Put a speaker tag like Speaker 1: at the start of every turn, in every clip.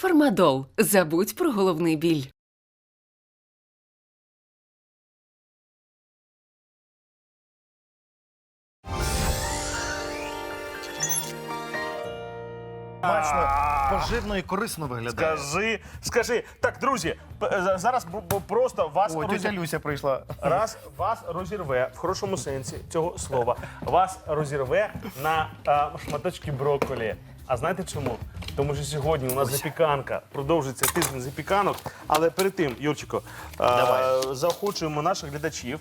Speaker 1: Фармадол. Забудь про головний біль.
Speaker 2: Смачно, поживно і корисно виглядає.
Speaker 3: Скажи. Так, друзі, зараз просто вас
Speaker 2: Ой, тетя Люся прийшла.
Speaker 3: вас розірве, в хорошому сенсі цього слова, вас розірве на шматочки брокколі. А знаєте чому? Тому що сьогодні у нас запіканка, продовжується тиждень запіканок, але перед тим, Юрчико, заохочуємо наших глядачів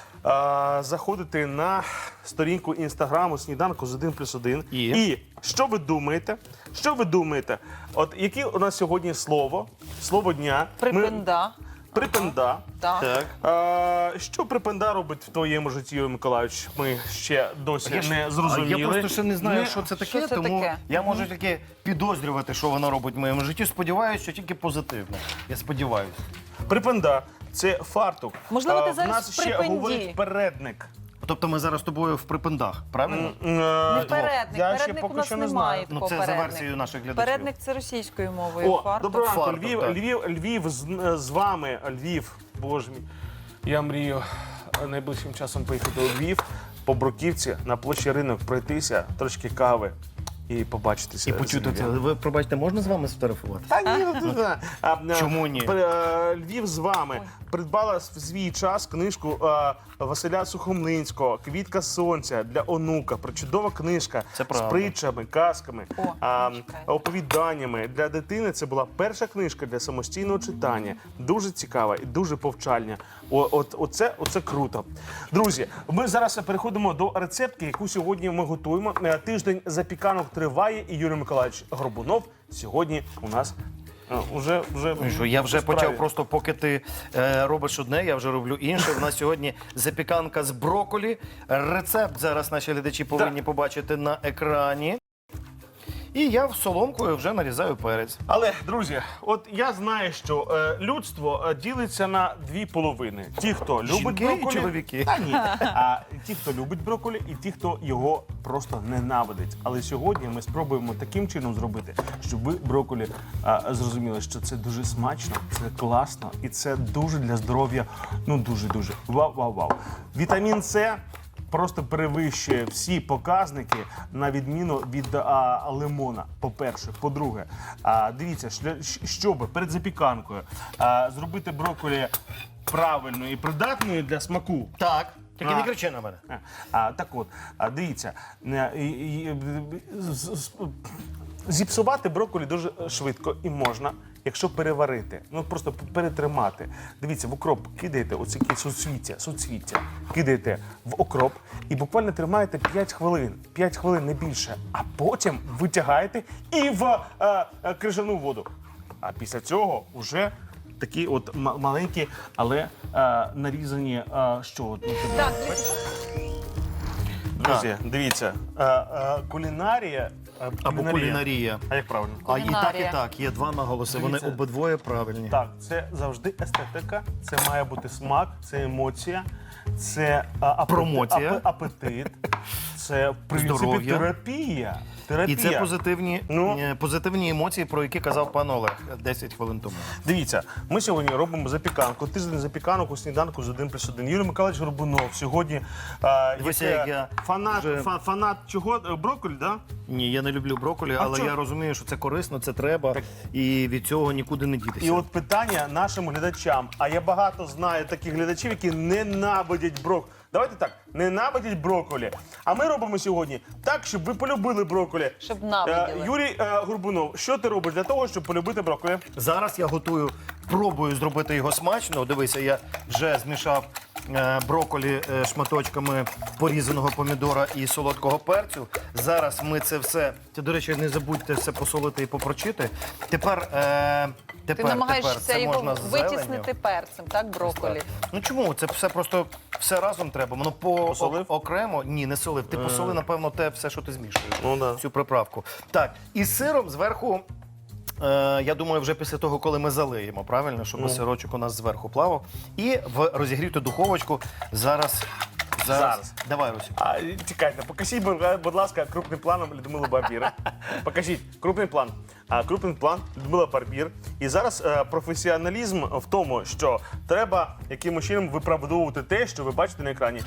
Speaker 3: заходити на сторінку інстаграму «Сніданку з 1+1». І що ви думаєте? Що ви думаєте? От яке у нас сьогодні слово дня?
Speaker 4: Припинда.
Speaker 3: Припинда.
Speaker 4: Так.
Speaker 3: Що припинда робить в твоєму житті, Юрій Миколайович? Ми ще досі не зрозуміли.
Speaker 2: Я просто ще не знаю, що це таке,
Speaker 4: це
Speaker 2: тому
Speaker 4: таке?
Speaker 2: я можу тільки підозрювати, що воно робить в моєму житті. Сподіваюся, що тільки позитивно. Я сподіваюся.
Speaker 3: Припинда – це фартук.
Speaker 4: Можливо, ти
Speaker 3: в
Speaker 4: зараз
Speaker 3: нас
Speaker 4: в
Speaker 3: ще
Speaker 4: припинді.
Speaker 3: говорить передник.
Speaker 2: Тобто ми зараз з тобою в припиндах, правильно?
Speaker 4: Не передник.
Speaker 3: Я ще
Speaker 4: Передник у
Speaker 3: поки
Speaker 4: нас
Speaker 3: що не
Speaker 4: немає
Speaker 3: знаю.
Speaker 2: Ну,
Speaker 4: такого
Speaker 2: це за
Speaker 4: передник.
Speaker 2: версією наших глядачів.
Speaker 4: Передник – це російською мовою.
Speaker 3: О,
Speaker 4: Фартук.
Speaker 3: доброго ранку,
Speaker 2: Фартук, так.
Speaker 3: Львів з вами. Львів, боже мій. Я мрію найближчим часом поїхати у Львів, по Бруківці, на площі Ринок пройтися, трошки кави і побачитися.
Speaker 2: І почути це. Ви, пробачте, можна з вами сфотографувати?
Speaker 3: Та ні,
Speaker 2: Чому ні?
Speaker 3: Львів з вами придбала в свій час книжку Василя Сухомлинського «Квітка сонця» для онука. Причудова книжка
Speaker 2: Це
Speaker 3: з
Speaker 2: правда.
Speaker 3: притчами, казками,
Speaker 4: чекай.
Speaker 3: оповіданнями. Для дитини це була перша книжка для самостійного читання. Дуже цікава і дуже повчальна. Оце круто. Друзі, ми зараз переходимо до рецептки, яку сьогодні ми готуємо. Тиждень запіканок триває, і Юрій Миколайович Горбунов сьогодні у нас вже
Speaker 2: Ну, що, я вже
Speaker 3: в справі.
Speaker 2: почав, просто поки ти робиш одне, я вже роблю інше. У нас сьогодні запіканка з брокколі. Рецепт зараз наші глядачі повинні побачити на екрані. І я соломкою вже нарізаю перець.
Speaker 3: Але, друзі, от я знаю, що людство ділиться на дві половини. Ті, хто любить
Speaker 2: Жінки і
Speaker 3: брокколі,
Speaker 2: чоловіки.
Speaker 3: Та ні. А ті, хто любить брокколі, і ті, хто його просто ненавидить. Але сьогодні ми спробуємо таким чином зробити, щоб ви брокколі зрозуміли, що це дуже смачно, це класно і це дуже для здоров'я, ну дуже-дуже. Вау-вау-вау. Вітамін С просто перевищує всі показники, на відміну від лимона, по-перше. По-друге, дивіться, щоб перед запіканкою зробити брокколі правильною і придатною для смаку.
Speaker 2: Так, тільки не кричи на мене.
Speaker 3: Так от, дивіться, зіпсувати брокколі дуже швидко і можна, якщо переварити, ну просто перетримати. Дивіться, в окроп кидаєте оці суцвіття, кидаєте в окроп і буквально тримаєте 5 хвилин, 5 хвилин, не більше, а потім витягаєте і в крижану воду. А після цього вже такі от маленькі, але нарізані,
Speaker 4: Так,
Speaker 3: друзі, дивіться, кулінарія.
Speaker 2: Або кулінарія.
Speaker 3: А як правильно?
Speaker 2: А і так, і
Speaker 4: Кулінарія.
Speaker 2: так. Є два наголоси. Вони
Speaker 3: Дивіться.
Speaker 2: обидвоє правильні.
Speaker 3: Так, це завжди естетика, це має бути смак, це емоція, це
Speaker 2: Промотія.
Speaker 3: апетит, це в принципі
Speaker 2: Здоров'я.
Speaker 3: терапія.
Speaker 2: І це
Speaker 3: Ну.
Speaker 2: позитивні емоції, про які казав пан Олег 10 хвилин тому.
Speaker 3: Дивіться, ми сьогодні робимо запіканку, тиждень запіканок у «Сніданку з 1+1». Юрій Миколаївич Горбунов сьогодні
Speaker 2: Дивися, як я вже-
Speaker 3: фанат чого? Брокколі, да?
Speaker 2: Ні, я не люблю брокколі, але
Speaker 3: чого?
Speaker 2: я розумію, що це корисно, це треба, і від цього нікуди не дітися.
Speaker 3: І от питання нашим глядачам. А я багато знаю таких глядачів, які ненавидять брокколі. Давайте так, ненавидять брокколі. А ми робимо сьогодні так, щоб ви полюбили брокколі.
Speaker 4: Щоб ненавиділи.
Speaker 3: Юрій Горбунов, що ти робиш для того, щоб полюбити брокколі?
Speaker 2: Зараз я пробую зробити його смачно. Дивися, я вже змішав брокколі шматочками порізаного помідора і солодкого перцю. Зараз ми це все, до речі, не забудьте все посолити і попрочити. Тепер
Speaker 4: ти намагаєшся
Speaker 2: це
Speaker 4: його
Speaker 2: можна з зеленню.
Speaker 4: витіснити перцем, так, брокколі?
Speaker 2: Ну чому? Це все просто все разом треба. Воно
Speaker 3: Посолив?
Speaker 2: окремо. Ні, не солив. Ти посоли, напевно, те все, що ти змішуєш.
Speaker 3: Ну, да.
Speaker 2: Цю приправку. Так, і з сиром зверху. Я думаю, вже після того, коли ми залиємо, правильно, щоб сирочок у нас зверху плавав. І в розігріту духовочку зараз
Speaker 3: Зараз.
Speaker 2: Давай, Русик.
Speaker 3: Чекайте, покажіть, будь ласка, крупним планом Людмилу Барбір. Покажіть, крупний план. Крупний план Людмила Барбір. І зараз професіоналізм в тому, що треба якимось чином виправдовувати те, що ви бачите на екрані.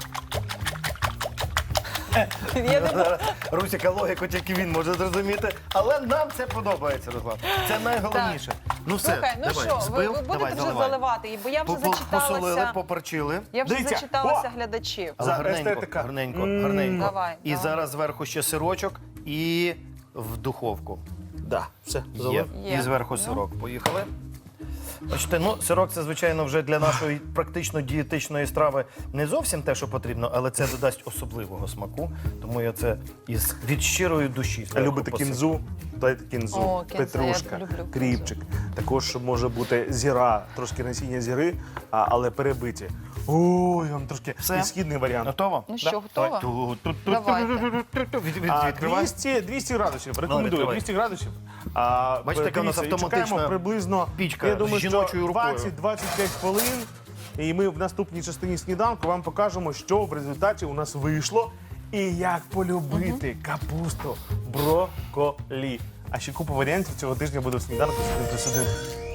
Speaker 4: Я не можу.
Speaker 2: Русика логіку тільки він може зрозуміти, але нам це подобається, Руслан. Це найголовніше. Ну все,
Speaker 4: Слухай, ну
Speaker 2: давай,
Speaker 4: що, ви
Speaker 2: збив,
Speaker 4: будете
Speaker 2: давай,
Speaker 4: вже
Speaker 2: заливай.
Speaker 4: заливати, бо я вже
Speaker 2: Посолили,
Speaker 4: зачиталася.
Speaker 2: поперчили.
Speaker 4: Я вже
Speaker 3: Дивіться,
Speaker 4: зачиталася
Speaker 3: о!
Speaker 4: глядачів.
Speaker 2: Але гарненько,
Speaker 3: естетика.
Speaker 2: гарненько, гарненько.
Speaker 4: Давай,
Speaker 2: І
Speaker 4: давай.
Speaker 2: зараз зверху ще сирочок і в духовку.
Speaker 3: Да, все,
Speaker 2: Є.
Speaker 3: залив.
Speaker 4: Є.
Speaker 2: І зверху сирок. Поїхали. Бачите, ну, сирок це, звичайно, вже для нашої практично дієтичної страви не зовсім те, що потрібно, але це додасть особливого смаку. Тому я це від щирої душі. зверху
Speaker 3: Любите
Speaker 2: посиплю.
Speaker 3: кінзу? Дайте кінзу,
Speaker 4: О, кінза,
Speaker 3: петрушка,
Speaker 4: я люблю кінзу.
Speaker 3: кріпчик. Також може бути зіра, трошки насіння зіри, але перебиті. Ой, вам трошки
Speaker 2: Все?
Speaker 3: східний варіант.
Speaker 2: Готово?
Speaker 4: Ну що, готова?
Speaker 2: Давай.
Speaker 4: Давайте.
Speaker 2: Відкривай.
Speaker 3: 200 градусів. Рекомендую,
Speaker 2: відкривай.
Speaker 3: 200 градусів.
Speaker 2: Бачите, яка у нас
Speaker 3: Дивіться, і
Speaker 2: автоматична
Speaker 3: чекаємо приблизно,
Speaker 2: пічка
Speaker 3: я думаю,
Speaker 2: з жіночою
Speaker 3: що
Speaker 2: рукою.
Speaker 3: 20-25 хвилин. І ми в наступній частині сніданку вам покажемо, що в результаті у нас вийшло і як полюбити капусту, брокколі. А ще купа варіантів цього тижня буде в сніданку з 1+1.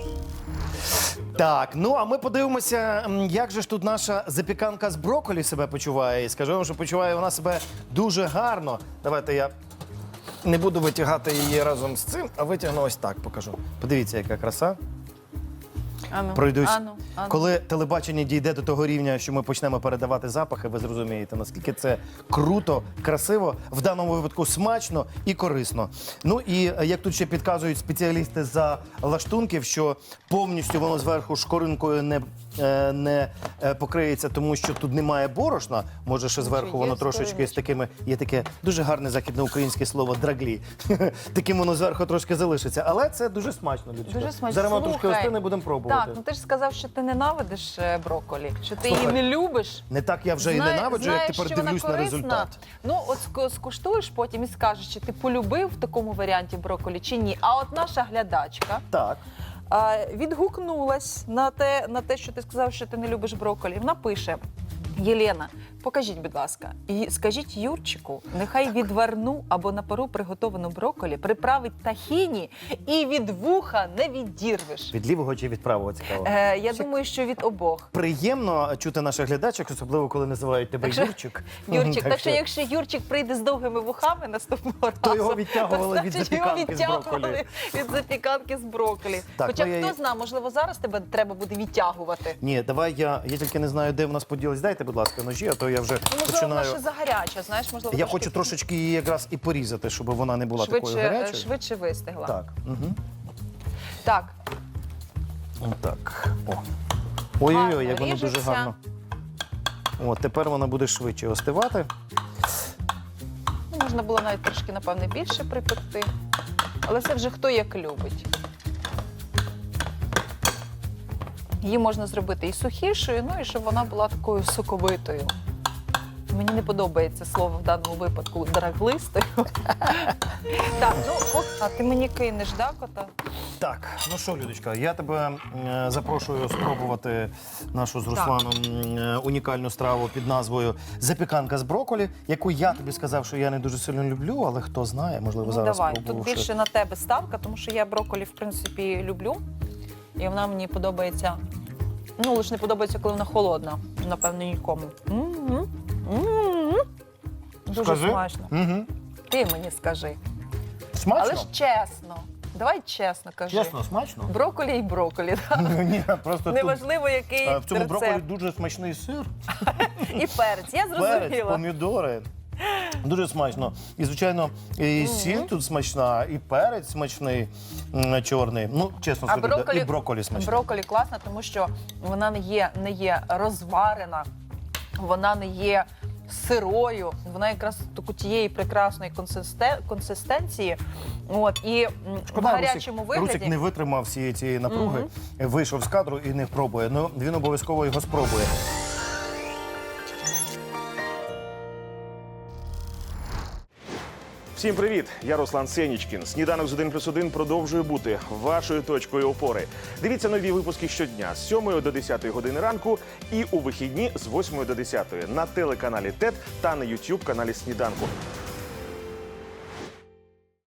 Speaker 2: Так, ну а ми подивимося, як же ж тут наша запіканка з брокколі себе почуває. І скажу вам, що почуває вона себе дуже гарно. Давайте я не буду витягати її разом з цим, а витягну ось так покажу. Подивіться, яка краса.
Speaker 4: Ану,
Speaker 2: Пройдусь.
Speaker 4: ану.
Speaker 2: Коли телебачення дійде до того рівня, що ми почнемо передавати запахи, ви зрозумієте, наскільки це круто, красиво, в даному випадку смачно і корисно. Ну і як тут ще підказують спеціалісти за лаштунків, що повністю воно зверху шкоринкою не покриється, тому що тут немає борошна. Може, ще зверху
Speaker 4: є
Speaker 2: воно трошечки з
Speaker 4: скориночка.
Speaker 2: такими, є таке дуже гарне західноукраїнське слово драглі. Таким воно зверху трошки залишиться. Але це дуже смачно, Людочка.
Speaker 4: Дуже смачно.
Speaker 2: Зараз воно трошки
Speaker 4: Слухай,
Speaker 2: остине, будемо пробувати.
Speaker 4: Так, ну ти ж сказав, що ти ненавидиш брокколі, що ти
Speaker 2: Слухай,
Speaker 4: її не любиш.
Speaker 2: Не так я вже і ненавиджу, як тепер
Speaker 4: що вона
Speaker 2: дивлюсь на
Speaker 4: корисна.
Speaker 2: результат.
Speaker 4: Ну, от скуштуєш потім і скажеш, чи ти полюбив в такому варіанті брокколі чи ні. А от наша глядачка
Speaker 2: Так.
Speaker 4: відгукнулась на те, що ти сказав, що ти не любиш брокколі. Вона пише: Єлена, покажіть, будь ласка, і скажіть Юрчику, нехай відварну або на пару приготовану брокколі приправить тахіні і від вуха не відірвеш.
Speaker 2: Від лівого чи від правого цікаво?
Speaker 4: Я думаю, що від обох.
Speaker 2: Приємно чути наших глядачок, особливо коли називають тебе
Speaker 4: Так що,
Speaker 2: Юрчик.
Speaker 4: Юрчик, так що якщо Юрчик прийде з довгими вухами наступного разу,
Speaker 2: То його відтягували від
Speaker 4: значить, його
Speaker 2: запіканки з брокколі.
Speaker 4: відтягували від запіканки з брокколі.
Speaker 2: Так,
Speaker 4: Хоча
Speaker 2: ну, я-
Speaker 4: хто знає, можливо, зараз тебе треба буде відтягувати.
Speaker 2: Ні, давай я тільки не знаю, де в нас поділись. Дайте, будь ласка, ножі, а то я вже
Speaker 4: Ну, можливо, вона
Speaker 2: починаю.
Speaker 4: ще загаряча, знаєш, можливо,
Speaker 2: Я хочу трошечки її якраз і порізати, щоб вона не була такою гарячою.
Speaker 4: швидше вистигла.
Speaker 2: Так. Угу.
Speaker 4: Так,
Speaker 2: Так. О. Ой-ой-ой,
Speaker 4: Гарно
Speaker 2: як воно дуже
Speaker 4: ріжеться.
Speaker 2: гарно. О, тепер вона буде швидше остивати.
Speaker 4: ну, можна було навіть трошки, напевне, більше припекти. Але це вже хто як любить. Її можна зробити і сухішою, ну і щоб вона була такою соковитою. Мені не подобається слово в даному випадку драглистою. Так, ну, а ти мені кинеш, да, кота?
Speaker 2: Так, ну що, Людочка, я тебе запрошую спробувати нашу з Русланом унікальну страву під назвою запіканка з брокколі, яку я тобі сказав, що я не дуже сильно люблю, але хто знає, можливо,
Speaker 4: Ну,
Speaker 2: зараз
Speaker 4: давай. Тут
Speaker 2: спробувавши.
Speaker 4: більше на тебе ставка, тому що я брокколі, в принципі, люблю. І вона мені подобається. Ну, лише не подобається, коли вона холодна. Напевно, нікому. М-м. М-м. Дуже
Speaker 2: Скажи.
Speaker 4: смачно.
Speaker 2: Угу.
Speaker 4: Ти мені скажи.
Speaker 2: Смачно?
Speaker 4: Але ж чесно. Давай чесно кажи.
Speaker 2: Чесно, смачно?
Speaker 4: Брокколі і брокколі. Да?
Speaker 2: Ні, просто тут,
Speaker 4: Неважливо, який
Speaker 2: в цьому
Speaker 4: рецепт.
Speaker 2: брокколі дуже смачний сир,
Speaker 4: І перець. Я
Speaker 2: перець,
Speaker 4: зрозуміла.
Speaker 2: помідори. Дуже смачно. І, звичайно, і сіль тут смачна, і перець смачний, чорний. Ну, чесно скажу, і брокколі смачний.
Speaker 4: Брокколі класна, тому що вона не є розварена, вона не є сирою, вона якраз тієї прекрасної консистенції. От, і в гарячому вигляді...
Speaker 2: Русик не витримав всієї цієї напруги, вийшов з кадру і не пробує. Ну, він обов'язково його спробує.
Speaker 3: Всім привіт! Я Руслан Сенічкін. Сніданок з 1+1 продовжує бути вашою точкою опори. Дивіться нові випуски щодня з 7 до 10 години ранку і у вихідні з 8 до 10 на телеканалі ТЕТ та на YouTube каналі Сніданку.